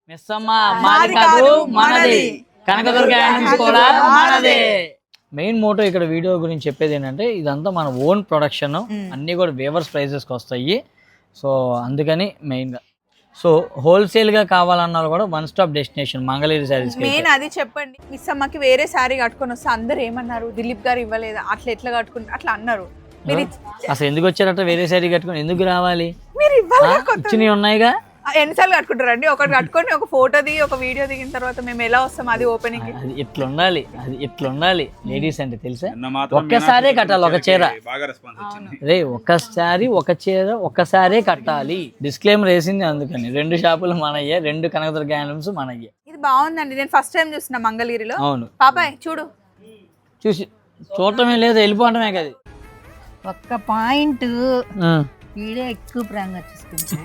మిస్సమ్మ మాది కాదు మనది, కనకదుర్గ హ్యాండ్లూమ్స్ కూడా మనదే. మెయిన్ మోటో ఇక్కడ వీడియో గురించి చెప్పేది ఏంటంటే ఇదంతా మన ఓన్ ప్రొడక్షన్, అన్నీ కూడా వేవర్స్ ప్రైజెస్కి వస్తాయి. సో అందుకని మెయిన్గా సో హోల్సేల్గా కావాలన్నా కూడా one stop destination Mangalagiri saris. Main అది చెప్పండి. మిస్ అమ్మకి వేరే శారీ కట్టుకొని వస్తే అందరు ఏమన్నారు, దిలీప్ గారు ఇవ్వలేదు, అట్లా ఎట్లా కట్టుకుంటారు అట్లా అన్నారు. మీరు అసలు ఎందుకు వచ్చారట వేరే శారీ కట్టుకొని? ఎందుకు రావాలి? మీరు ఇవ్వాలి, ఇచ్చినవి ఉన్నాయిగా. ఎన్నిసార్లు కట్టుకుంటారండి? ఒకటి కట్టుకొని ఒక ఫోటో దిగి ఒక వీడియో దిగిన తర్వాత మేము ఎలా వస్తాం అది ఓపెనింగ్? అది ఇట్లా ఉండాలి, అది ఇట్లా ఉండాలి. లేడీస్ అంటే తెలుసా, ఒక్కసారే కట్టాలి ఒక చీర. రే ఒక్కసారి ఒక చీర ఒక్కసారే కట్టాలి. డిస్క్లైమర్ వేసింది అందుకని. 2 షాపులు మనయ్యే, 2 కనకదుర్గ హ్యాండ్లూమ్స్ మనయ్యే. ఇది బాగుందండి, నేను ఫస్ట్ టైం చూస్తున్నా మంగళగిరిలో. అవును పాపాయ్ చూడు, చూడటమే లేదు వెళ్ళిపోవటమే కదా. ఒక్క పాయింట్ వీడియో ఎక్కువ ప్రాంగా చూసుకుంటా.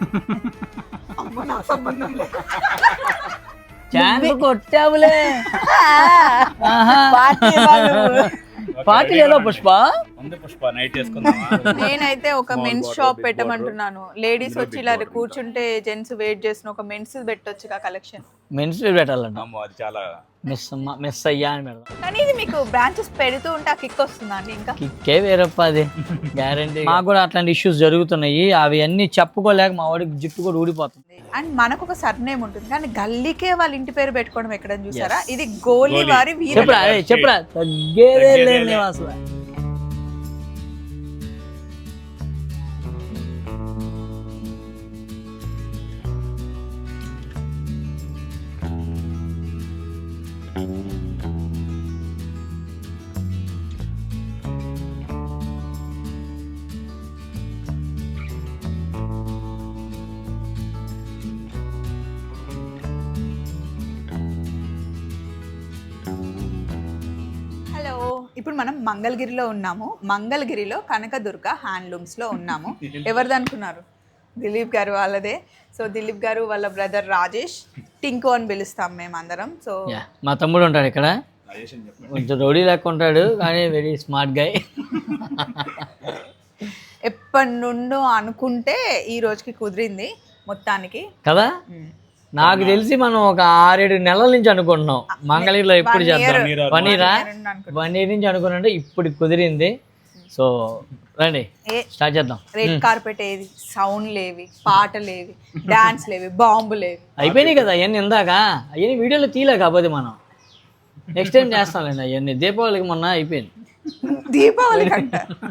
ఛాన్స్ కొట్టావులే. పార్టీ ఎలా పుష్ప? నేనైతే ఒక మెన్స్ షాప్ పెట్టమంటున్నాను. లేడీస్ వచ్చి ఇలా కూర్చుంటే జెంట్స్ వెయిట్ చేసిన ఒక మెన్స్ పెట్టొచ్చు కలెక్షన్. మెన్స్ పెట్టాలంట. మిస్ అయ్యా అని పెడదాం. కానీ ఇది మీకు బ్రాంచెస్ పెడుతూ ఉంటే ఆ కిక్ వస్తుందండి. ఇంకా కిక్కే వేరప్ప, అది గ్యారంటీ. మాకు కూడా అట్లాంటి ఇష్యూస్ జరుగుతున్నాయి, అవి అన్ని చెప్పుకోలేక మా వాడికి జుట్టు కూడా ఊడిపోతుంది. అండ్ మనకు ఒక సర్నేమ్ ఉంటుంది, కానీ గల్లీకే వాళ్ళ ఇంటి పేరు పెట్టుకోవడం ఎక్కడ చూసారా? ఇది గోలీ వారి చెప్పరా తగ్గేదే లేదు అసలు. ఇప్పుడు మనం మంగళగిరిలో ఉన్నాము. మంగళగిరిలో కనకదుర్గ హ్యాండ్లూమ్స్ లో ఉన్నాము. ఎవరిది అనుకున్నారు? దిలీప్ గారు వాళ్ళదే. సో దిలీప్ గారు వాళ్ళ బ్రదర్ రాజేష్, టింకు అని పిలుస్తాం మేము అందరం. సో మా తమ్ముడు ఉంటాడు ఇక్కడ, కొంచెం రౌడీ లెక్క ఉంటాడు కానీ వెరీ స్మార్ట్ గై. ఎప్పటి నుండో అనుకుంటే ఈ రోజుకి కుదిరింది మొత్తానికి కదా. నాకు తెలిసి మనం ఒక 6-7 నెలల నుంచి అనుకుంటున్నాం మంగళగిరిలో ఎప్పుడు చేద్దాం. 1 year నుంచి అనుకున్నాంటే ఇప్పుడు కుదిరింది. సో రండి స్టార్ట్ చేద్దాం. రెడ్ కార్పెట్ ఏది, సౌండ్ లేవి, పాటలేవి, డాన్స్ లేవి, బాంబు లేవి, అయిపోయినాయి కదా అవన్నీ. ఇందాక అవన్నీ వీడియోలో తీయలే, కాకపోతే మనం నెక్స్ట్ టైం చేస్తాంలేండి అవన్నీ. దీపావళికి మొన్న అయిపోయింది. దీపావళి కంట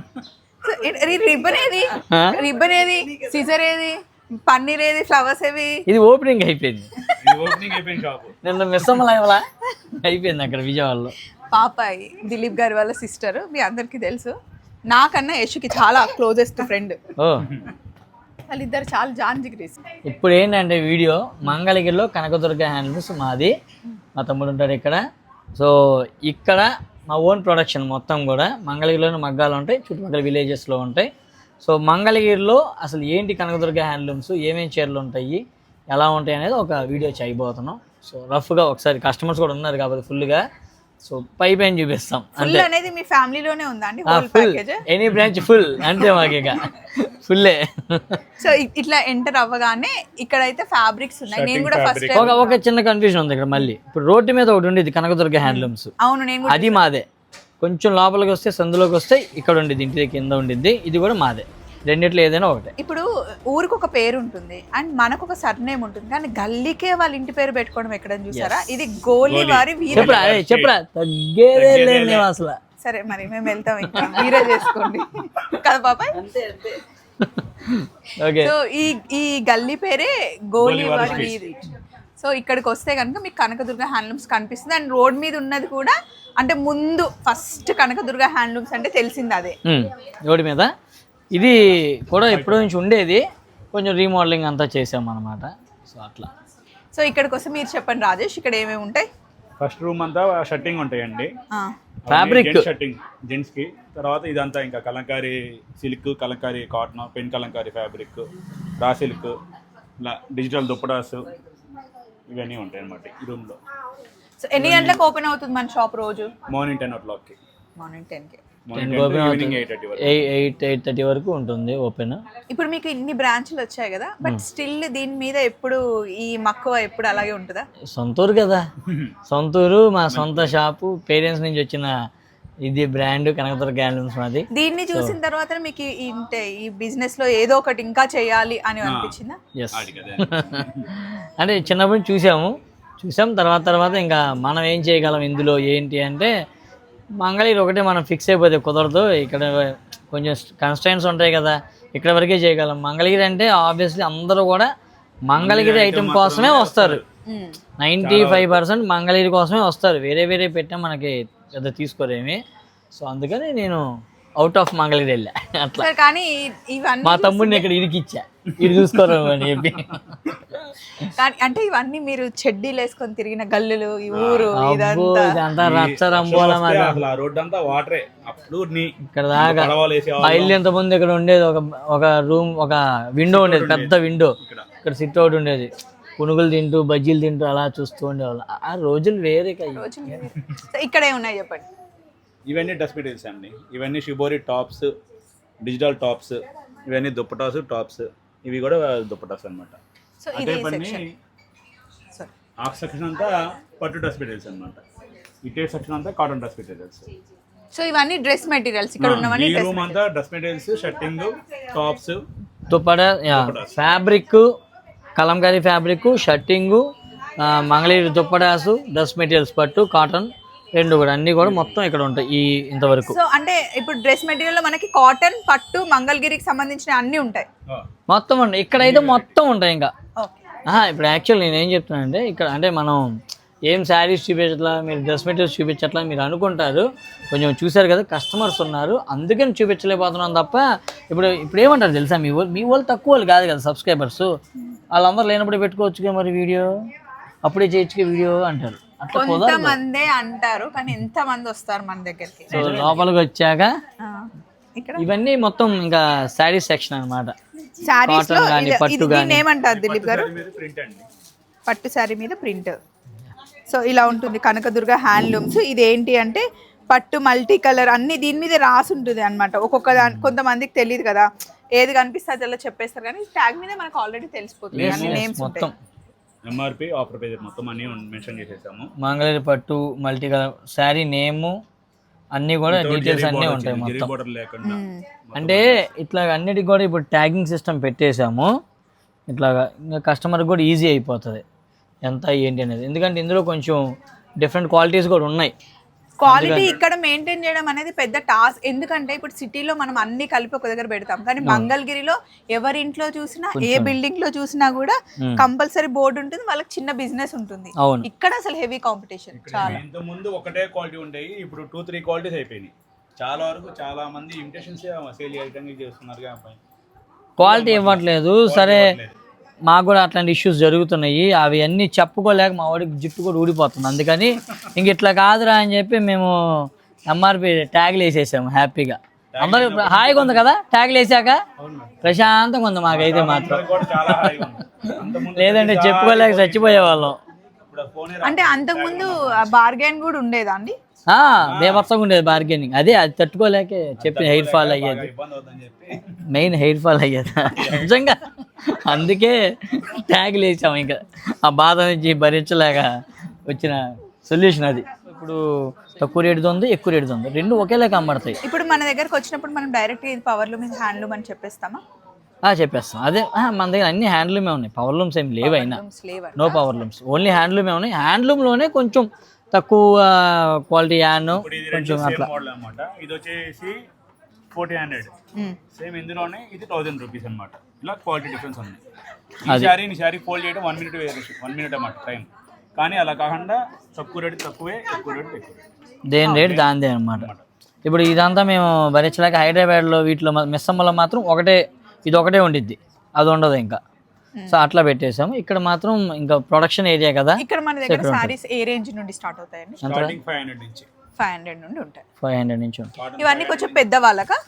రిబ్బన్ ఏది, సిజర్ ఏది, పన్నీర్ ఏది, ఫ్లవర్స్ ఏవి? ఇది ఓపెనింగ్ అయిపోయింది. నిన్న మిస్సమ్మ లైవ్లా అయిపోయింది అక్కడ విజయవాడలో. పాపాయి దిలీప్ గారి వాళ్ళ సిస్టర్, మీ అందరికి తెలుసు. నాకన్నా యశుకి చాలా క్లోజెస్ట్ ఫ్రెండ్. వాళ్ళిద్దరు చాలా జాన్ జిగ్రీస్. ఇప్పుడు ఏంటంటే వీడియో మంగళగిరిలో కనకదుర్గ హ్యాండ్లూమ్స్ మాది, మా తమ్ముడు ఉంటాడు ఇక్కడ. సో ఇక్కడ మా ఓన్ ప్రొడక్షన్ మొత్తం కూడా మంగళగిరిలోనే మగ్గాలు ఉంటాయి, చుట్టుపక్కల విలేజెస్లో ఉంటాయి. సో మంగళగిరిలో అసలు ఏంటి కనకదుర్గ హ్యాండ్లూమ్స్, ఏమేమి చీరలు ఉంటాయి, ఎలా ఉంటాయి అనేది ఒక వీడియో చేయబోతున్నాం. సో రఫ్గా ఒకసారి కస్టమర్స్ కూడా ఉన్నారు కాబట్టి ఫుల్గా, సో పైన చూపిస్తాం. అంటే అనేది మీ ఫ్యామిలీలోనే ఉందా అండి? ఫుల్ ఎనీ బ్రాంచ్ ఫుల్ అంటే మాకు ఇక ఫుల్లే. సో ఇట్లా ఎంటర్ అవ్వగానే ఇక్కడైతే ఫ్యాబ్రిక్స్ ఉన్నాయి. నేను కూడా ఫస్ట్ ఒక చిన్న కన్ఫ్యూజన్ ఉంది ఇక్కడ. మళ్ళీ ఇప్పుడు రోడ్డు మీద ఒకటి ఉండేది కనకదుర్గ హ్యాండ్లూమ్స్. అవును, నేను అది మాదే. కొంచెం లోపలికి వస్తే సందులోకి వస్తే ఇక్కడ ఉండిద్ది, ఇంటి కింద ఉండిద్ది. ఇది కూడా మాదే. రెండిట్లో ఏదైనా ఒకటే. ఇప్పుడు ఊరికి ఒక పేరు ఉంటుంది అండ్ మనకు ఒక సర్నేమ్ ఉంటుంది, కానీ గల్లీకే వాళ్ళ ఇంటి పేరు పెట్టుకోవడం ఎక్కడ చూసారా? ఇది గోలీ వారి చెప్పరా తగ్గేదే లేదు అసలు. సరే మరి మేము వెళ్తాం, ఇంకా మీరే చేసుకోండి కదా పాపాయ్. సో ఈ గల్లీ పేరే గోలీ వారి వీధి. సో ఇక్కడికి వస్తే కనుక మీకు కనకదుర్గ హ్యాండ్లూమ్స్ కనిపిస్తుంది. అండ్ రోడ్ మీద ఉన్నది కూడా, అంటే ముందు ఫస్ట్ కనకదుర్గ హ్యాండ్లూమ్స్ అంటే తెలిసింది అదే రోడ్ మీద. ఇది కూడా ఎప్పటి నుంచి ఉండేది, కొంచెం రీమోడలింగ్ అంతా చేసాం అనమాట. సో అట్లా. సో ఇక్కడికి వస్తే మీరు చెప్పండి రాజేష్, ఇక్కడ ఏమేమి ఉంటాయి? ఫస్ట్ రూమ్ అంతా షర్టింగ్ ఉంటాయండి, ఫ్యాబ్రిక్ షర్టింగ్ జెంట్స్ కి. తర్వాత ఇదంతా ఇంకా Kalamkari silk, Kalamkari cotton, pen Kalamkari fabric, raw silk, ఇలా డిజిటల్ దుప్పటాస్, ఇవన్నీ ఉంటాయి అన్నమాట ఈ రూమ్ లో. సో ఎన్ని గంటలకు ఓపెన్ అవుతుంది మన షాప్ రోజు? Morning 10 o'clock. మార్నింగ్ 10కి. మార్నింగ్ ఈవినింగ్ 8:30 వరకు 8:30 వరకు ఉంటుంది ఓపెన్. ఇప్పుడు మీకు ఇన్ని బ్రాంచ్లు వచ్చాయి కదా, బట్ స్టిల్ దీని మీద ఎప్పుడు ఈ మక్కువ ఎప్పుడు అలాగే ఉంటుందా? సొంతూరు కదా, సొంతూరు మా సొంత షాపు, పేరెంట్స్ నుంచి వచ్చిన ఇది బ్రాండ్ కనకదుర్గ హ్యాండ్లూమ్స్ మాది. దీన్ని చూసిన తర్వాత మీకు ఈ బిజినెస్ లో ఏదో ఒకటి ఇంకా చేయాలి అని అనిపించిందా? ఎస్ అంటే చిన్నప్పుడు చూసాం తర్వాత ఇంకా మనం ఏం చేయగలం ఇందులో ఏంటి అంటే మంగళగిరి ఒకటే మనం ఫిక్స్ అయిపోతే కుదరదు, ఇక్కడ కొంచెం కన్స్ట్రైన్స్ ఉంటాయి కదా, ఇక్కడ వరకే చేయగలం. మంగళగిరి అంటే ఆబ్వియస్లీ అందరూ కూడా మంగళగిరి ఐటెం కోసమే వస్తారు, 95% మంగళగిరి కోసమే వస్తారు. వేరే పెట్టా మనకి పెద్ద తీసుకోరేమి. సో అందుకని నేను అవుట్ ఆఫ్ మంగళగిరి వెళ్ళా అట్లా. కానీ ఇవన్నీ మా తమ్ముడిని ఇక్కడ ఇరికిచ్చా, ఇది చూసుకోరు అని చెప్పి. కానీ అంటే ఇవన్నీ మీరు చెడ్డీలు వేసుకొని తిరిగిన గల్లులు, ఈ ఊరు ఇదంతా రచ్చరంబోలం. రోడ్ అంతా వాటరే. అప్పుడు ఇక్కడ దాకా పైలు ఎంత ముందు ఇక్కడ ఉండేది, ఒక రూమ్, ఒక విండో ఉండేది, పెద్ద విండో. ఇక్కడ సిట్ అవుట్ ఉండేది, పునుగులు తింటూ బజ్జీలు తింటూ అలా చూస్తూ ఉండేవాళ్ళు. ఆ రోజులు వేరే. ఇక్కడ ఏమున్నాయి చెప్పండి? ఇవన్నీ డ్రెస్ మెటీరియల్స్ అండి. ఇవన్నీ షిబోరి టాప్స్, డిజిటల్ టాప్స్, ఇవన్నీ దుప్పటాస్ టాప్స్, ఇవి కూడా దుప్పటాస్ అనమాట. అదే పని ఆ సెక్షన్ అంతా పట్టు డ్రెస్ మెటీరియల్స్ అనమాట. ఇటే సెక్షన్ అంతా కాటన్ డ్రెస్ మెటీరియల్స్. సో ఇవన్నీ డ్రెస్ మెటీరియల్స్ ఇక్కడ ఉన్నవన్నీ. ఈ రూమ్ అంతా dress materials, shirting, tops, dupatta, fabric, Kalamkari fabric, shirting, Mangalagiri dupattas, dress materials, పట్టు, కాటన్ రెండు కూడా అన్ని కూడా మొత్తం ఇక్కడ ఉంటాయి ఈ ఇంతవరకు. సో అంటే ఇప్పుడు డ్రెస్ మెటీరియల్ లో మనకి కాటన్, పట్టు, మంగళగిరికి సంబంధించిన అన్ని ఉంటాయి మొత్తం అండి. ఇక్కడైతే మొత్తం ఉంటాయి ఇంకా. ఇప్పుడు యాక్చువల్ నేను ఏం చెప్తున్నానంటే ఇక్కడ అంటే మనం ఏం శారీస్ చూపించట్లా, మీరు డ్రెస్ మెటీరియల్స్ చూపించట్లా మీరు అనుకుంటారు. కొంచెం చూసారు కదా, కస్టమర్స్ ఉన్నారు అందుకని చూపించలేకపోతున్నాం తప్ప. ఇప్పుడు ఏమంటారు తెలుసా, మీ వాళ్ళు తక్కువ వాళ్ళు కాదు కదా సబ్స్క్రైబర్స్, వాళ్ళందరూ లేనప్పుడు పెట్టుకోవచ్చుగా మరి వీడియో, అప్పుడే చేయొచ్చుగా వీడియో అంటారు. కొంతమంది అంటారు కానీ ఎంత మంది వస్తారు మన దగ్గరికి. సో లోపలికి వచ్చాక ఇవన్నీ మొత్తం ఇంకా శారీస్ సెక్షన్ అనమాట. కాటన్ కానీ పట్టు కానీ. ఏమంటారు దిలీప్ గారు? పట్టు శారీ మీద ప్రింట్. సో ఇలా ఉంటుంది కనకదుర్గ హ్యాండ్లూమ్స్. ఇది ఏంటి అంటే పట్టు మల్టీ కలర్ అన్ని దీని మీద రాసి ఉంటుంది అనమాట. ఒక్కొక్క కొంతమందికి తెలియదు కదా, ఏది కనిపిస్తే అలా చెప్పేస్తారు, కానీ ట్యాగ్ మీద మనకు ఆల్రెడీ తెలిసిపోతుంది అన్ని నేమ్స్ మొత్తం. ఎంఆర్పి, ఆఫర్ ప్రైస్ మొత్తం అన్ని మెన్షన్ చేసేసాము. మంగళగిరి పట్టు మల్టీ కలర్ శారీ నేము అన్నీ కూడా డీటెయిల్స్ అన్నీ ఉంటాయి మొత్తం. అంటే ఇట్లా అన్నిటికి కూడా ఇప్పుడు ట్యాగింగ్ సిస్టమ్ పెట్టేసాము. ఇట్లాగా ఇంకా కస్టమర్కి కూడా ఈజీ అయిపోతుంది ఎంత ఏంటి అనేది. ఎందుకంటే ఇందులో కొంచెం డిఫరెంట్ క్వాలిటీస్ కూడా ఉన్నాయి. క్వాలిటీ ఇక్కడ మెయింటైన్ చేయడం అనేది పెద్ద టాస్క్. ఎందుకంటే ఇప్పుడు సిటీలో మనం అన్ని కలిపి ఒక దగ్గర పెడతాం, కానీ మంగళగిరిలో ఎవరి ఇంట్లో చూసినా, ఏ బిల్డింగ్ లో చూసినా కూడా కంపల్సరీ బోర్డు ఉంటుంది, వాళ్ళకి చిన్న బిజినెస్ ఉంటుంది. ఇక్కడ అసలు హెవీ కాంపిటీషన్ చాలా. ఇంత ముందు ఒకటే క్వాలిటీ ఉంటాయి, ఇప్పుడు 2-3 క్వాలిటీస్ అయిపోయినాయి. చాలా వరకు చాలా మంది ఇమిటేషన్స్ సేల్ చేయడానికి చేస్తున్నారు, క్వాలిటీ ఇవ్వట్లేదు. సరే మాకు కూడా అట్లాంటి ఇష్యూస్ జరుగుతున్నాయి, అవి అన్నీ చెప్పుకోలేక మా వాడికి జుట్టు కూడా ఊడిపోతుంది. అందుకని ఇంక ఇట్లా కాదురా అని చెప్పి మేము ఎంఆర్పి ట్యాగ్లు వేసేసాము. హ్యాపీగా అందరూ హాయిగా ఉంది కదా ట్యాగ్లు వేసాక, ప్రశాంతంగా ఉంది మాకైతే మాత్రం. లేదంటే చెప్పుకోలేక చచ్చిపోయేవాళ్ళం. అంటే అంతకుముందు బార్గెన్ కూడా ఉండేదా అండి? బేవర్సంగా ఉండేది బార్గెనింగ్. అది తట్టుకోలేక చెప్పి హెయిర్ ఫాల్ అయ్యేది, మెయిన్ హెయిర్ ఫాల్ అయ్యేది నిజంగా. అందుకే ట్యాగ్లు వేసాము. ఇంకా ఆ బాధ నుంచి భరించలేక వచ్చిన సొల్యూషన్ అది. ఇప్పుడు తక్కువ రేటుది ఉంది, ఎక్కువ రేటుది ఉంది, రెండు ఒకేలాగా అమ్మడతాయి. ఇప్పుడు మన దగ్గరకు వచ్చినప్పుడు మనం డైరెక్ట్ ఇది పవర్లూమ్, ఇది హ్యాండ్లూమ్ అని చెప్పేస్తామా? చెప్పేస్తాం. అదే మన దగ్గర అన్ని హ్యాండ్లూమే ఉన్నాయి, పవర్ లూమ్స్ ఏమి లేవు. అయినా నో పవర్ లూమ్స్, ఓన్లీ హ్యాండ్లూమే ఉన్నాయి. హ్యాండ్లూమ్లోనే కొంచెం తక్కువ క్వాలిటీ యాన్ కొంచెం అట్లా. ఇది వచ్చేసి 1400 సేమ్ ఇందులోనే, ఇది 1000 రూపీస్ అనమాట. ఇలా క్వాలిటీ డిఫరెన్స్ ఉంది. ఈ శారీ ఫోల్డ్ చేయడం 1 మినిట్ అన్నమాట టైం. కానీ అలా కాకుండా తక్కువ రేటు తక్కువే, ఎక్కువ రేటు ఎక్కువ. దేని రేటు దానిదే అనమాట. ఇప్పుడు ఇదంతా మేము భరించలేక హైదరాబాద్లో వీటిలో మిస్సమ్మలో మాత్రం ఇది ఒకటే ఉండిద్ది, అది ఉండదు ఇంకా. సో అట్లా పెట్టేసాము. ఇక్కడ మాత్రం ఇంకా ప్రొడక్షన్ ఏరియా కదా. ఇక్కడ మన దగ్గర సారీస్ ఏ రేంజ్ నుండి స్టార్ట్ అవుతాయండి? 500 నుంచి 500 నుండి ఉంటాయి. 500 నుంచి ఉంటాయి. ఇవన్నీ కొంచెం పెద్ద వాళ్ళకా?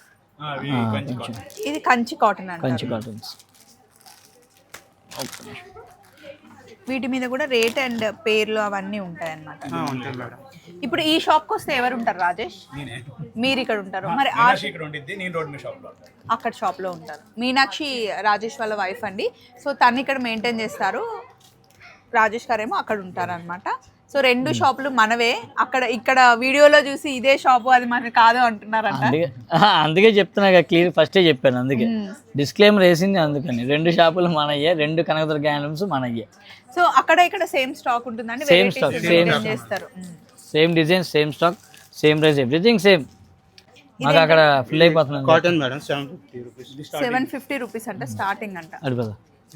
ఇది కంచి కాటన్ అండి. కంచి కాటన్స్. వీటి మీద కూడా రేట్ అండ్ పేర్లు అవన్నీ ఉంటాయి అన్నమాట. ఉంటుంది మేడం. ఇప్పుడు ఈ షాప్కి వస్తే ఎవరు ఉంటారు రాజేష్? నేనే మీరు ఇక్కడ ఉంటారు, మరి ఇక్కడ ఉండిద్ది, నేను రోడ్ మీద షాప్లో ఉంటాను. అక్కడ షాప్లో ఉంటారు. మీనాక్షి రాజేష్ వాళ్ళ వైఫ్ అండి. సో తను ఇక్కడ మెయింటైన్ చేస్తారు, రాజేష్ గారేమో అక్కడ ఉంటారు అనమాట. సో రెండు షాపులు మనవే. అక్కడ ఇక్కడ వీడియోలో చూసి ఇదే షాపు అది మనకి కాదు అంటున్నారంట. అందుకే చెప్తున్నా క్లియర్ ఫస్టే చెప్పాను, అందుకే డిస్క్లైమర్ వేసింది అందుకని. రెండు షాపులు మనయ్యే, రెండు కనకదుర్గ హ్యాండ్లూమ్స్ మనయ్యే. సో అక్కడ ఇక్కడ సేమ్ స్టాక్ ఉంటుందండి, సేమ్ స్టాక్, సేమ్ చేస్తారు. Same design, same stock, same price, everything same. మాకు అక్కడ ఫుల్ అయిపోతుంది. Cotton madam 750 rupees. 750 రూపీస్ అంట స్టార్టింగ్ అంట. అడిపోదా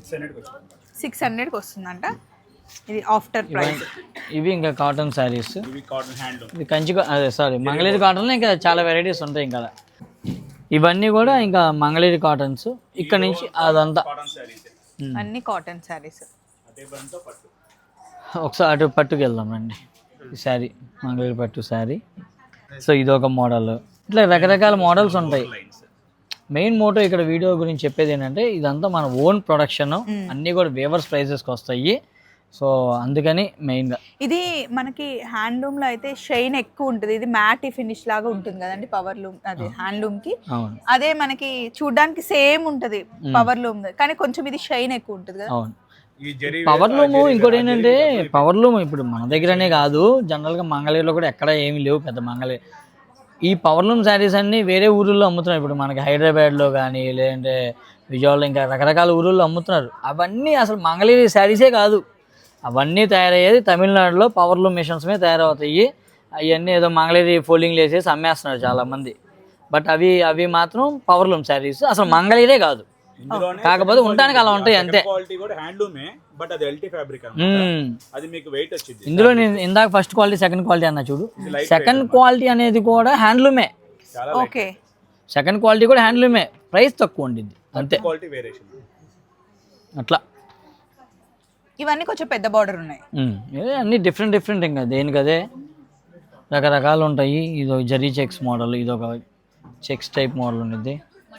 600కి వస్తుందంట. ఇది ఆఫ్టర్ ప్రైస్. ఇవి ఇంకా కాటన్ శారీస్, ఇవి కాటన్ హ్యాండ్లూమ్. ఇది కంచి, అదే సారీ మంగళగిరి కాటన్లో ఇంకా చాలా వెరైటీస్ ఉంటాయి ఇంకా. ఇవన్నీ కూడా ఇంకా మంగళగిరి కాటన్స్. ఇక్కడ నుంచి అదంతా కాటన్ శారీస్, అన్ని కాటన్ శారీస్. అదే బంతో పట్టు. ఒకసారి అటు పట్టుకు వెళ్దాం రండి. ఈ శారీ మంగళగిరి పట్టు శారీ. సో ఇది ఒక మోడల్, ఇట్లా రకరకాల మోడల్స్ ఉంటాయి. మెయిన్ మోటో ఇక్కడ వీడియో గురించి చెప్పేది ఏంటంటే ఇదంతా మన ఓన్ ప్రొడక్షన్, అన్నీ కూడా వేవర్స్ ప్రైజెస్కి వస్తాయి. సో అందుకని మెయిన్గా ఇది మనకి హ్యాండ్లూమ్ లో అయితే షైన్ ఎక్కువ ఉంటుంది. ఇది మ్యాట్ ఫినిష్ లాగా ఉంటుంది కదండి పవర్ లూమ్, అది హ్యాండ్లూమ్ కి. అదే మనకి చూడడానికి సేమ్ ఉంటది పవర్ లూమ్, కానీ కొంచెం ఇది షైన్ ఎక్కువ ఉంటుంది కదా. అవును, పవర్ లూమ్. ఇంకోటి ఏంటంటే పవర్ లూమ్ ఇప్పుడు మన దగ్గరనే కాదు, జనరల్గా మంగళగిరిలో కూడా ఎక్కడ ఏమి లేవు పెద్ద మంగళగిరి. ఈ పవర్ లూమ్ శారీస్ అన్నీ వేరే ఊళ్ళో అమ్ముతున్నారు. ఇప్పుడు మనకి హైదరాబాద్లో కానీ లేదంటే విజయవాడలో ఇంకా రకరకాల ఊళ్ళో అమ్ముతున్నారు. అవన్నీ అసలు మంగళగిరి శారీసే కాదు, అవన్నీ తయారయ్యేది తమిళనాడులో పవర్ లూమ్ మిషన్స్ మీద తయారవుతాయి. అవన్నీ ఏదో మంగళగిరి ఫోల్డింగ్లు వేసేసి అమ్మేస్తున్నారు చాలామంది. బట్ అవి మాత్రం పవర్ లూమ్ శారీస్, అసలు మంగళగిరే కాదు. కాకపోతే ఉండడానికి అలా ఉంటాయి అంతే. క్వాలిటీ కూడా హ్యాండ్లూమే, బట్ అది ఎల్టీ ఫ్యాబ్రిక్ అన్నమాట. అది మీకు వెయిట్ వచ్చింది. ఇందులో నేను ఇందాక ఫస్ట్ క్వాలిటీ సెకండ్ క్వాలిటీ అన్నా చూడు, సెకండ్ క్వాలిటీ అనేది కూడా హ్యాండ్లూమే. ఓకే, సెకండ్ క్వాలిటీ కూడా హ్యాండ్లూమే, ప్రైస్ తక్కువ ఉండింది అంతే. క్వాలిటీ వేరియేషన్ అట్లా. ఇవన్నీ కొంచెం పెద్ద బార్డర్ ఉన్నాయి. అన్ని డిఫరెంట్ ఇంకా దేనికదే రకరకాలు ఉంటాయి. ఇది జరీ చెక్స్ మోడల్, ఇది ఒక చెక్స్ టైప్ మోడల్ ఉంటుంది.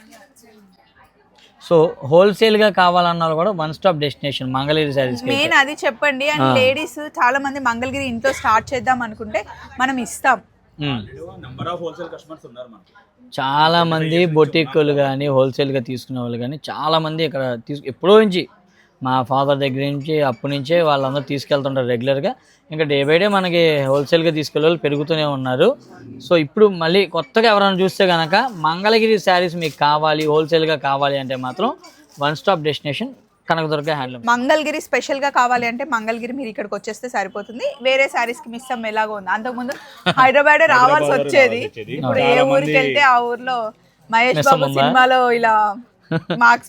సో హోల్సేల్గా కావాలన్నా కూడా one stop destination Mangalagiri saris. Main అది చెప్పండి. అండ్ లేడీస్ చాలా మంది మంగళగిరి ఇంట్లో స్టార్ట్ చేద్దాం అనుకుంటే మనం ఇస్తాం. నెంబర్ ఆఫ్ హోల్సేల్ కస్టమర్స్ ఉన్నారు మనకి. చాలా మంది బొటిక్కులు కానీ హోల్సేల్గా తీసుకునే వాళ్ళు కానీ చాలా మంది ఇక్కడ ఎప్పుడో నుంచి మా ఫాదర్ దగ్గర నుంచి అప్పటి నుంచే వాళ్ళందరూ తీసుకెళ్తుంటారు రెగ్యులర్గా. ఇంకా డే బై డే మనకి హోల్సేల్గా తీసుకెళ్ళే వాళ్ళు పెరుగుతూనే ఉన్నారు. సో ఇప్పుడు మళ్ళీ కొత్తగా ఎవరైనా చూస్తే కనుక మంగళగిరి శారీస్ మీకు కావాలి, హోల్సేల్గా కావాలి అంటే మాత్రం one stop destination Kanakadurga handloom. Mangalagiri స్పెషల్గా కావాలి అంటే మంగళగిరి మీరు ఇక్కడికి వచ్చేస్తే సరిపోతుంది. వేరే శారీస్కి మిస్ అమ్మ ఎలాగో ఉంది, అంతకుముందు హైదరాబాద్ రావాల్సి వచ్చేది. ఇప్పుడు ఏ ఊరికి వెళ్తే ఆ ఊర్లో మహేష్ బాబు సినిమాలో ఇలా మార్క్స్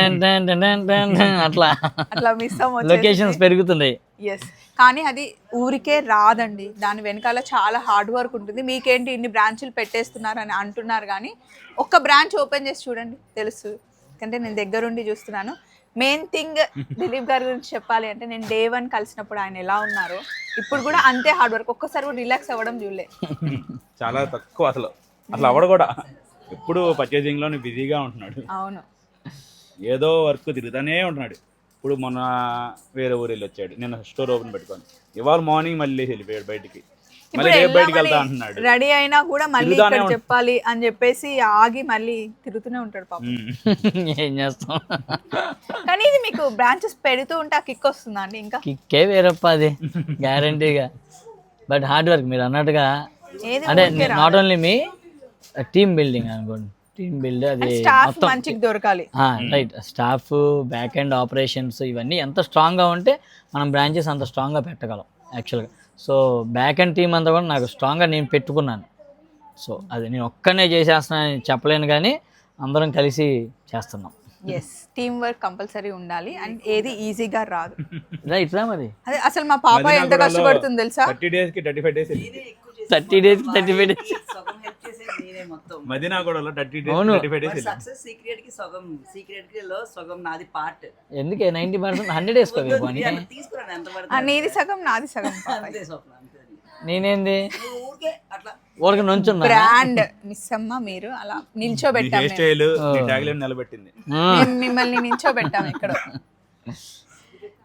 అట్లా మిస్ లొకేషన్స్ పెరుగుతున్నాయి. ఎస్, కానీ అది ఊరికే రాదండి, దాని వెనకాల చాలా హార్డ్ వర్క్ ఉంటుంది. మీకేంటి ఇన్ని బ్రాంచ్లు పెట్టేస్తున్నారు అని అంటున్నారు, కానీ ఒక్క బ్రాంచ్ ఓపెన్ చేసి చూడండి తెలుసు. ఎందుకంటే నేను దగ్గరుండి చూస్తున్నాను. మెయిన్ థింగ్ దిలీప్ గారి గురించి చెప్పాలి అంటే నేను డే 1 కలిసినప్పుడు ఆయన ఎలా ఉన్నారో ఇప్పుడు కూడా అంతే హార్డ్ వర్క్. ఒక్కసారి కూడా రిలాక్స్ అవ్వడం చూడలే. చాలా తక్కువ అసలు అవ్వడం కూడా. ఎప్పుడు పర్చేసింగ్ లోనే బిజీగా ఉంటున్నాడు. అవును, ఏదో వర్క్ తిరుగుతానే ఉంటున్నాడు. ఇప్పుడు మొన్న వేరే ఊరు వెళ్ళి వచ్చాడు, నేను స్టోర్ ఓపెన్ పెట్టుకొని. ఇవాళ మార్నింగ్ మళ్ళీ వెళ్ళిపోయాడు బయటికి, మళ్ళీ రేపు బయటికి వెళ్తా అంటున్నాడు. రెడీ అయినా కూడా మళ్ళీ ఇక్కడ చెప్పాలి అని చెప్పేసి ఆగి మళ్ళీ తిరుగుతూనే ఉంటాడు పాపం. ఏం చేస్తాం. కానీ ఇది మీకు బ్రాంచెస్ పెడుతూ ఉంటే ఆ కిక్ వస్తుందా అండి? ఇంకా కిక్కే వేరప్ప, అది గ్యారంటీగా. బట్ హార్డ్ వర్క్ మీరు అన్నట్టుగా, అంటే నాట్ ఓన్లీ మీ టీమ్ బిల్డింగ్ అనుకోండి. టీమ్ బిల్డ్ అది స్టాఫ్ మంచిగా దొరకాలి. Right, staff back and operations ఇవన్నీ ఎంత స్ట్రాంగ్గా ఉంటే మనం బ్రాంచెస్ అంత స్ట్రాంగ్గా పెట్టగలం యాక్చువల్గా. సో బ్యాక్ అండ్ టీమ్ అంతా కూడా నాకు స్ట్రాంగ్గా నేను పెట్టుకున్నాను. సో అది నేను ఒక్కనే చేసేస్తున్నానని చెప్పలేను, కానీ అందరం కలిసి చేస్తున్నాం. ఎస్, టీమ్ వర్క్ కంపల్సరీ ఉండాలి. అండ్ ఏది ఈజీగా రాదు. రైట్ రా, మరి అదే అసలు మా పాప ఎంత కష్టపడుతుంది తెలుసా? 30 days కి 35 days 30 days 35 days మదీనాగూడలో 30 days 35 days. సక్సెస్ సీక్రెట్ కి సగం, సీక్రెట్ కి లో సగం నాది పార్ట్. ఎందుకే 90% 100 వేసుకోవాలి పోనీ. తీసుకురాను ఎంత పడుతుంది. నీది సగం నాది సగం. అంతే స్వప్న, అంతే. నేనేంది ఊరికే అట్లా ఊరికి నుంచున్నా. బ్రాండ్ మిస్ అమ్మ మీరు అలా నిల్చోబెట్టాము. హెయిర్ స్టైల్ నీ ట్యాగ్ లైన్ నిలబెట్టింది. మిమ్మల్ని నిల్చోబెట్టాము ఇక్కడ.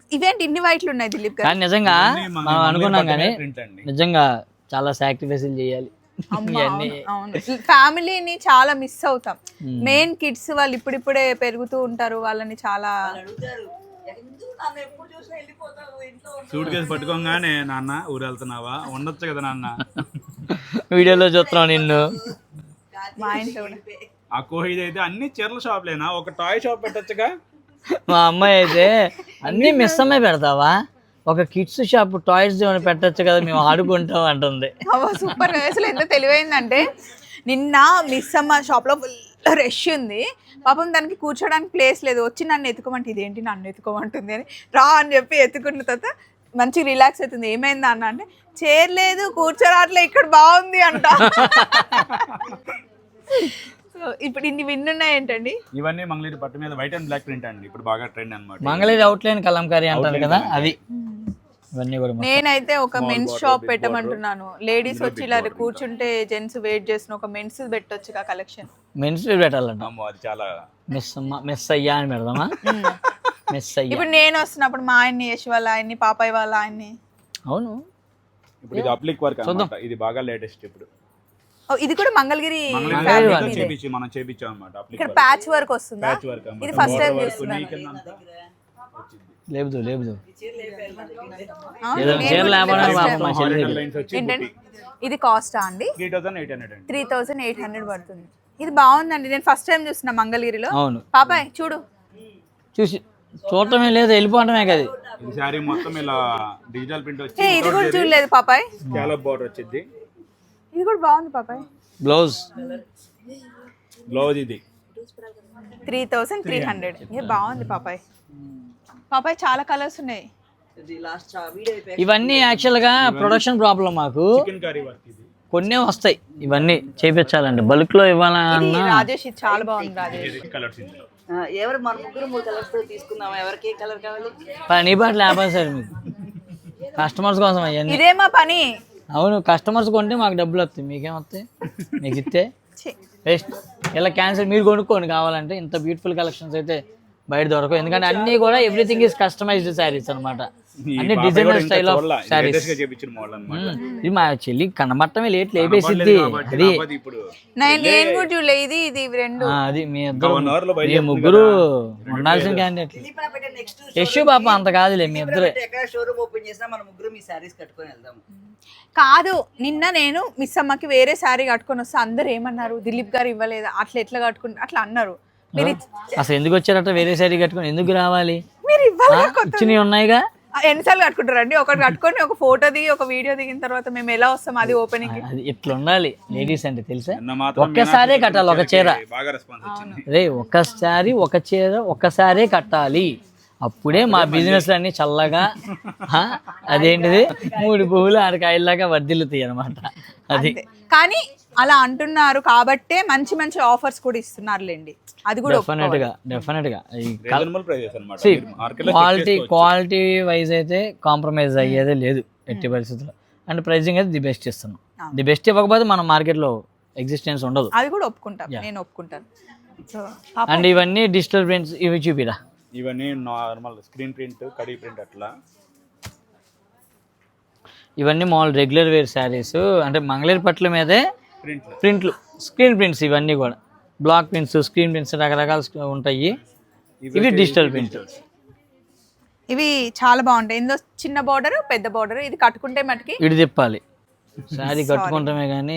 ఇవేంటి ఇన్ని వైట్లు ఉన్నాయి దిలీప్ గారు? కానీ నిజంగా మనం అనుకున్నాం కానీ ప్రింట్ అండి. నిజంగా చాలా సాక్రిఫైస్లు చేయాలి ఇవన్నీ. అవును, ఫ్యామిలీని చాలా మిస్ అవుతాం. మెయిన్ కిడ్స్ వాళ్ళు ఇప్పుడిప్పుడే పెరుగుతూ ఉంటారు, వాళ్ళని చాలా అడుగుతారు ఎందుకు నన్ను ఎప్పుడు చూసినా వెళ్ళిపోతావు ఇంట్లో సూట్ కేసు పట్టుకోగానే నాన్న ఊరు వెళ్తున్నావా, ఉండొచ్చు కదా నాన్న. వీడియోలో చూస్తున్నాం నిన్ను. మా ఇంట్లో కూడా. ఆ కోహిది అయితే అన్ని చీరల షాప్లేనా, ఒక టాయ్ షాప్ పెట్టొచ్చుగా. మా అమ్మాయి అయితే అన్నీ మిస్ అమ్మాయి పెడతావా, ఒక కిడ్స్ షాప్ టాయ్స్ ఏమైనా పెట్టచ్చు కదా, మేము ఆడుకుంటాం అంటుంది. సూపర్. అసలు ఎంత తెలివైందంటే నిన్న మిస్ అమ్మ షాప్లో ఫుల్ రష్ ఉంది, పాపం దానికి కూర్చోడానికి ప్లేస్ లేదు, వచ్చి నన్ను ఎత్తుకోమంటే ఇదేంటి నన్ను ఎత్తుకోమంటుంది అని రా అని చెప్పి ఎత్తుకున్న తర్వాత మంచి రిలాక్స్ అవుతుంది. ఏమైందా అన్న అంటే చైర్ లేదు కూర్చోరాట్లే ఇక్కడ బాగుంది అంట. సో ఇప్పుడు ఇన్ని విన్నున్నాయి ఏంటండి? ఇవన్నీ మంగళగిరి పట్టు మీద వైట్ అండ్ బ్లాక్ ప్రింట్ అండి, ఇప్పుడు బాగా ట్రెండ్ అన్నమాట. మంగళగిరి అవుట్లైన్ కలంకారీ అంటారు కదా, అది ఇవన్నీ కూడా నేనైతే ఒక మెన్స్ షాప్ పెట్టమంటున్నాను. లేడీస్ వచ్చి ఇలా కూర్చుంటే జెంట్స్ వెయిట్ చేసిన ఒక మెన్స్ పెట్టొచ్చు కలెక్షన్. మెన్స్ పెట్టాలంట. అమ్మో, అది చాలా మిస్ అయ్యా అని పెడదామా? మిస్ అయ్యా. ఇప్పుడు నేను వస్తున్నప్పుడు మా ఆయన్ని, యశ్ వాళ్ళ ఆయన్ని, పాపాయ్ వాళ్ళ ఆయన్ని. అవును, ఇప్పుడు ఇది అప్లిక్ వర్క్ అన్నమాట, ఇది బాగా లేటెస్ట్ ఇప్పుడు. ఓ, ఇది కూడా మంగళగిరి మంగళగిరిలో ఫ్యాబ్రిక్ ఇదే. మనం చేపించాం అన్నమాట. అప్లిక్ ఇక్కడ ప్యాచ్ వర్క్ వస్తుందా? ప్యాచ్ వర్క్ ఇది ఫస్ట్ టైం చూస్తున్నాను. లేబుదు ఆ, ఏదో నేను చీర కూడా లేకపోవడం first పాపం time. మా చెల్లి దగ్గర. లైన్స్ వచ్చి ఏంటండి ఇది కాస్టా అండి? 3800 అండి. 3800 పడుతుంది. ఇది బాగుందండి, నేను ఫస్ట్ టైం చూస్తున్నా మంగళగిరిలో. అవును, పాపాయ్ చూడు. చూసి చూడటమే లేదు, వెళ్ళిపోవటమే కదా. ఇది శారీ మొత్తం ఇలా డిజిటల్ ప్రింట్ వచ్చి ఏ, ఇది కూడా చూడలేదు పాపాయ్. స్కాలప్ బోర్డర్ వచ్చింది. ఇది కూడా బాగుంది పాపాయ్. బ్లౌజ్ బ్లౌజ్ ఇది 3300. ఇది బాగుంది పాపాయ్. పాపాయ్ చాలా కలర్స్ ఉన్నాయి. లాస్ట్ వీడియో అయిపోయాక ఇవన్నీ యాక్చువల్గా ప్రొడక్షన్ ప్రాబ్లం మాకు. చికెన్ కర్రీ వర్క్ ఇది. కొన్నే వస్తాయి, ఇవన్నీ చేపించాలండి, బల్క్ లో ఇది ఇవ్వాలన్నా. రాజేష్, ఇది చాలా బాగుంది రాజేష్. కలర్స్ ఇందులో. ఎవరు మన ముగ్గురు 3 కలర్స్ తో తీసుకుందాం, ఎవరికి ఏ కలర్ కావాలి? నీ పాటలు లేపాలి సార్ మీకు, కస్టమర్స్ కోసం అవన్నీ. ఇదే మా పని. అవును, కస్టమర్స్ కొంటే మాకు డబ్బులు వస్తాయి, మీకేం వస్తాయి? మీకు ఇస్తే ఛీ. వేస్ట్. ఇలా క్యాన్సిల్, మీరు కొనుక్కోండి కావాలంటే. ఇంత బ్యూటిఫుల్ కలెక్షన్స్ అయితే బయట దొరకవు, ఎందుకంటే అన్నీ కూడా ఎవ్రీథింగ్ ఈస్ కస్టమైజ్డ్ శారీస్ అనమాట, అన్ని designer style of saris. Latest గా చేపించిన మోడల్ అన్నమాట. ఇది మా చెల్లి కనబట్టమే లేట్ లేపేసిద్ది. అది ఇప్పుడు నేను కూడా చూడలే. ఇది ఇది రెండు. అది మీ ఇద్దరు, 1 hour లో మీ బయలుదేరుతుంది ముగ్గురు కదా. ఉండాల్సిన క్యాండిడేట్. నెక్స్ట్ యశు పాప అంత కాదులే, మీ ఇద్దరే. ఎక్కడ షోరూమ్ ఓపెన్ చేసినా మన ముగ్గురు మీ శారీస్ కట్టుకొని వెళ్దాం. కాదు, నిన్న నేను మిస్ అమ్మకి వేరే శారీ కట్టుకొని వస్తే అందరు ఏమన్నారు, దిలీప్ గారు ఇవ్వలేదా, అట్లా ఎట్లా కట్టుకుంటారు అట్లా అన్నారు. మీరు అసలు ఎందుకు వచ్చారట వేరే శారీ కట్టుకొని? ఎందుకు రావాలి? మీరు ఇవ్వాలి. ఇచ్చినవి ఉన్నాయిగా. ఎన్నిసార్లు కట్టుకుంటారండి? ఒకటి కట్టుకొని ఒక ఫోటో దిగి ఒక వీడియో దిగిన తర్వాత మేము ఎలా వస్తాం అది ఓపెనింగ్? అది ఇట్లా ఉండాలి లేడీస్ అంటే, తెలుసా? నిన్న మాత్రం ఒక్కసారే కట్టాలి ఒక చీర. బాగా రెస్పాన్స్ వచ్చింది. రే ఒక్కసారి ఒక చీర ఒక్కసారే కట్టాలి, అప్పుడే మా బిజినెస్ అన్ని చల్లగా అదేంటిది 3 పువ్వులు 6 కాయల్లాగా వర్ధిల్లుతాయి అనమాట. అది కానీ అలా అంటున్నారు కాబట్టే మంచి మంచి ఆఫర్స్ కూడా ఇస్తున్నారులేండి. అది కూడా డెఫినెట్ గా రీజనబుల్ ప్రైసెస్ అన్నమాట. మార్కెట్ లో క్వాలిటీ వైజ్ అయితే కాంప్రమైజ్ అయ్యేదే లేదు ఎట్టి పరిస్థితుల్లో. అండ్ ప్రైజింగ్ అయితే ది బెస్ట్ ఇస్తున్నాం. ది బెస్ట్ ఇవ్వకపోతే మన మార్కెట్ లో ఎగ్జిస్టెన్స్ ఉండదు. అది కూడా ఒప్పుకుంటాను, నేను ఒప్పుకుంటాను. సో అండ్ ఇవన్నీ డిజిటల్ ప్రింట్స్, ఇవి చూపిరా. ఇవన్నీ నార్మల్ స్క్రీన్ ప్రింట్, కడీ ప్రింట్ అట్లా. ఇవన్నీ మామూలు రెగ్యులర్ వేర్ శారీస్, అంటే మంగళగిరి పట్ల మీదే ప్రింట్లు, స్క్రీన్ ప్రింట్స్. ఇవన్నీ కూడా బ్లాక్ ప్రింట్స్, స్క్రీన్ ప్రింట్స్ రకరకాలు ఉంటాయి. ఇవి డిజిటల్ ప్రింట్. ఇవి చాలా బాగుంటాయి. ఇందులో చిన్న బార్డర్, పెద్ద బార్డర్. ఇది కట్టుకుంటే మటుకి ఇటు తిప్పాలి, శారీ కట్టుకుంటామే కానీ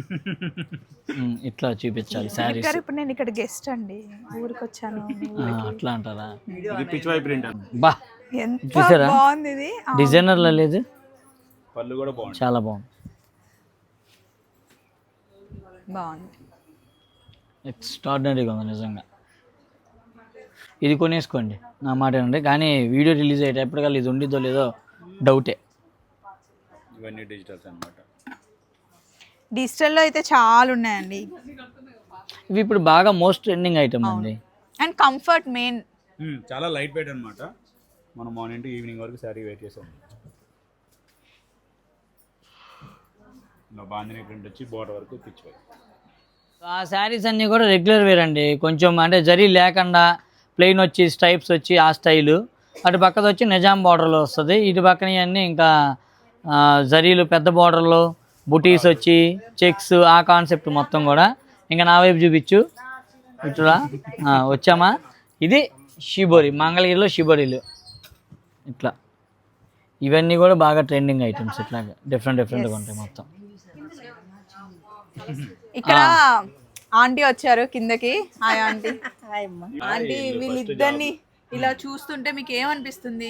ఇట్లా చూపించాలి శారీస్. ఇప్పుడు నేను ఇక్కడ గెస్ట్ అండి, ఊరికి వచ్చాను. అట్లా అంటారా? ఇది పిచ్ వై ప్రింట్. బా, ఎంత చూసారా బాగుంది ఇది. డిజైనర్లో లేదు, పళ్ళు కూడా బాగుంది, చాలా బాగుంది. బాగుంది, ఎక్స్ట్రాడినరీగా ఉంది నిజంగా. ఇది కొనేసుకోండి నా మాట ఏనండి, కానీ వీడియో రిలీజ్ అయ్యేటప్పటికల్లా ఇది ఉండిద్దో లేదో డౌటే. ఇవన్నీ డిజిటల్స్ అన్నమాట. డిజిటల్లో అయితే చాలా ఉన్నాయండి. ఇవి ఇప్పుడు బాగా మోస్ట్ ట్రెండింగ్ ఐటమ్ అండి. And comfort main. చాలా లైట్ వెయిట్ అన్నమాట. మనం మార్నింగ్ టు ఈవినింగ్ వరకు శారీ వెయిట్ చేసాం. ఇలా బాందిని ప్రింట్ వచ్చి బోర్డర్ వరకు పిచ్ వై. ఆ శారీస్ అన్నీ కూడా రెగ్యులర్ వేర్ అండి, కొంచెం అంటే జరీ లేకుండా ప్లెయిన్ వచ్చి స్ట్రైప్స్ వచ్చి ఆ స్టైలు. అటు పక్కది వచ్చి నిజాం బార్డర్లో వస్తుంది. ఇటు పక్కన ఇవన్నీ ఇంకా జరీలు పెద్ద బార్డర్లో బుటీస్ వచ్చి చెక్స్ ఆ కాన్సెప్ట్ మొత్తం కూడా. ఇంకా నా వైపు చూపించు ఇట్లా వచ్చామా. ఇది షిబోరి, మంగళగిరిలో షిబోరీలు ఇట్లా. ఇవన్నీ కూడా బాగా ట్రెండింగ్ ఐటమ్స్. ఇట్లాగా డిఫరెంట్గా ఉంటాయి మొత్తం. ఇక్కడ ఆంటీ వచ్చారు కిందకి. Hi aunty. ఆంటీ వీళ్ళిద్దరిని ఇలా చూస్తుంటే మీకు ఏమనిపిస్తుంది?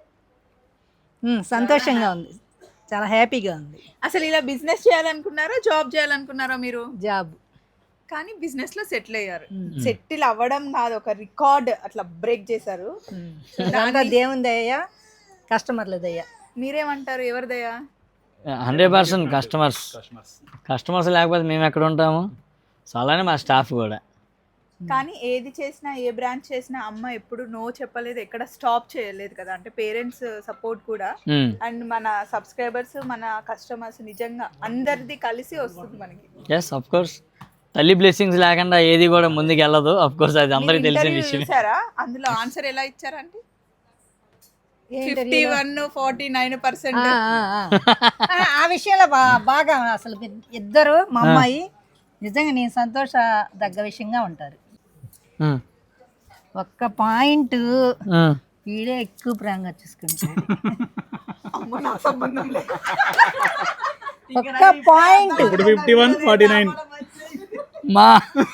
సంతోషంగా ఉంది, చాలా హ్యాపీగా ఉంది. అసలు ఇలా బిజినెస్ చేయాలనుకున్నారా జాబ్ చేయాలనుకున్నారా మీరు? జాబ్. కానీ బిజినెస్ లో సెటిల్ అయ్యారు. సెటిల్ అవ్వడం కాదు, ఒక రికార్డ్ అట్లా బ్రేక్ చేశారు. దాంట్లో దేవుని దయ్యా, కస్టమర్ల దయ్యా. మీరేమంటారు, ఎవరిదయ్యా? 100% కస్టమర్స్ లేకపోతే మేము ఎక్కడ ఉంటాము. సో అలానే మా స్టాఫ్ కూడా. కానీ ఏది చేసినా, ఏ బ్రాంచ్ చేసినా అమ్మ ఎప్పుడు నో చెప్పలేదు, ఎక్కడ స్టాప్ చేయలేదు కదా. అంటే పేరెంట్స్ సపోర్ట్ కూడా అండ్ మన సబ్స్క్రైబర్స్, మన కస్టమర్స్ నిజంగా అందరిది కలిసి వస్తుంది మనకి. ఎస్ ఆఫ్ కోర్స్, తల్లి బ్లెస్సింగ్స్ లేకుండా ఏది కూడా ముందుకు వెళ్ళదు. ఆఫ్ కోర్స్ అది అందరికీ తెలిసిన విషయం. చూసారా అందులో ఆన్సర్ ఎలా ఇచ్చారంటే 51-49%. ఆ విషయంలో బాగా అసలు ఇద్దరు మా అమ్మాయి నిజంగా నేను సంతోషదగ్గ విషయంగా ఉంటారు. ఒక్క పాయింట్ వీడే ఎక్కువ ప్రేమగా చూసుకుంటాడు. ఒక్క పాయింట్. ఇప్పుడు 51-49. మా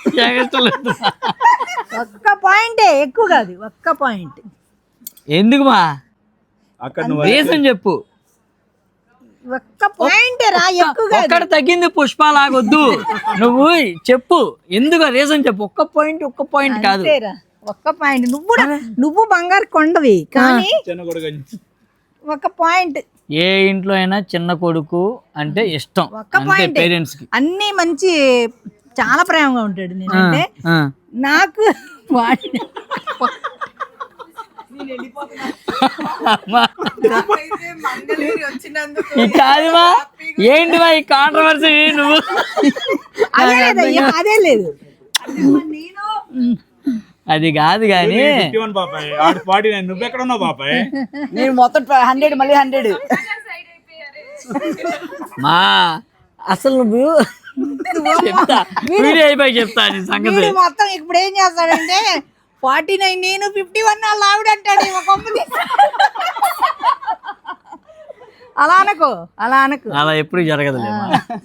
ఒక్క పాయింటే, ఎక్కువ కాదు, ఒక్క పాయింట్. ఎందుకు మా అక్కడ రీజన్ చెప్పు. ఒక్క పాయింట్ రా, ఎక్కువ కాదు. ఒక్కడ తగ్గింది పుష్ప లాగొద్దు, నువ్వు చెప్పు ఎందుకు రీజన్ చెప్పు. ఒక్క పాయింట్ కాదు, అంతేరా, ఒక్క పాయింట్. నువ్వు బంగారు కొండవి కానీ ఒక పాయింట్. ఏ ఇంట్లో అయినా చిన్న కొడుకు అంటే ఇష్టం, ఒక్క పాయింట్. పేరెంట్స్ కి అన్ని మంచి, చాలా ప్రేమగా ఉంటాడు. నేనంటే నాకు కాదుమా, ఏంటి మా ఈ కాంట్రవర్సీ? నువ్వు అదే లేదు, అది కాదు కానీ నువ్వెక్కడ ఉన్నావు బాబాయ్? నేను మొత్తం 100 మళ్ళీ 100. మా అసలు నువ్వు చెప్తా, వీడియో అయిపోయి చెప్తా నీ సంగతి మొత్తం. ఇప్పుడు ఏం చేస్తాడంటే 49 నేను 51 వాళ్ళు ఆవిడ అంటాడు. అలా అనకు. అలా ఎప్పుడు జరగదులేమా.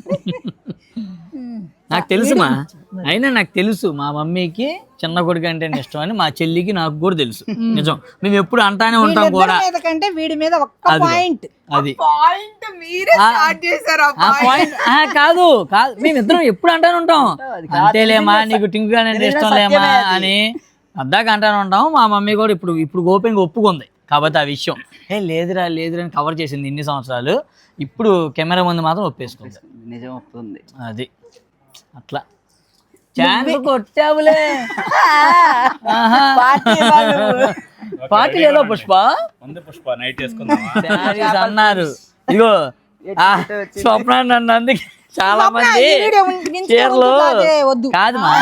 నాకు తెలుసుమా, అయినా నాకు తెలుసు మా మమ్మీకి చిన్న కొడుకు అంటే ఇష్టం అని, మా చెల్లికి నాకు కూడా తెలుసు. నిజం, మేము ఎప్పుడు అంటానే ఉంటాం కూడా. కంటే వీడి మీద ఒక్క పాయింట్. అది పాయింట్ మీరే స్టార్ట్ చేశారు. ఆ పాయింట్ కాదు, మేమిద్దరం ఎప్పుడు అంటానే ఉంటాం, అంతేలేమా నీకు టింకు అంటే ఇష్టం లేమా అని అద్దాక అంటానే ఉంటాం. మా మమ్మీ కూడా ఇప్పుడు ఓపెన్గా ఒప్పుకుంది కాబట్టి ఆ విషయం. లేదురా అని కవర్ చేసింది ఇన్ని సంవత్సరాలు. ఇప్పుడు కెమెరా ముందు మాత్రం ఒప్పేసుకుంది. నిజం వస్తుంది అది అట్లా. ఛాన్స్ కొట్టావులే. పార్టీ లేదో పుష్ప నైట్ చేసుకుందాం అన్నారు. ఇగో స్వప్న నన్ను అందుకే చాలా మంది చీరలు కాదు మా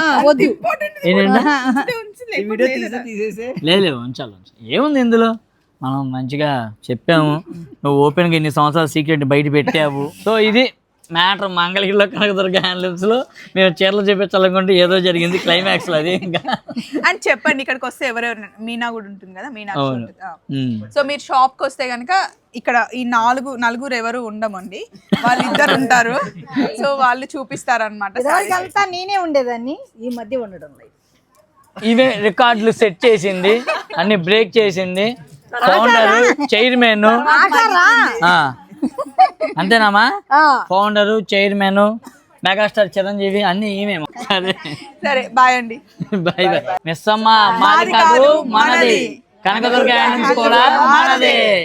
లేదు ఉంచాలి. ఏముంది ఇందులో, మనం మంచిగా చెప్పాము, నువ్వు ఓపెన్గా ఇన్ని సంవత్సరాలు సీక్రెట్ బయట పెట్టావు. సో ఇది మ్యాటర్. మంగళగిరిలో కనకదుర్గ హ్యాండ్లూమ్స్లో మేము చీరలు చూపించాలనుకుంటే ఏదో జరిగింది క్లైమాక్స్లో. అది ఇంకా అని చెప్పండి. ఇక్కడికి వస్తే ఎవరెవరు, మీనా కూడా ఉంటుంది కదా, మీనాక్షి ఉంటుంది. సో మీరు షాప్కి వస్తే కనుక ఇక్కడ ఈ నలుగురు ఎవరు ఉండమండి, వాళ్ళిద్దరు ఉంటారు. సో వాళ్ళు చూపిస్తారనమాట. అంతా నేనే ఉండేదాన్ని, ఈ మధ్య ఉండడం లేదు. ఇవే రికార్డులు సెట్ చేసింది, అన్ని బ్రేక్ చేసింది, ఫౌండర్, చైర్మన్. అంతేనామా? ఫౌండర్, చైర్మన్, మెగాస్టార్ చిరంజీవి అన్ని ఈమెమో. సరే బాయ్ అండి. Bye bye. మిస్ అమ్మ మాది కాదు మనది, కనకదుర్గ కూడా మనదే.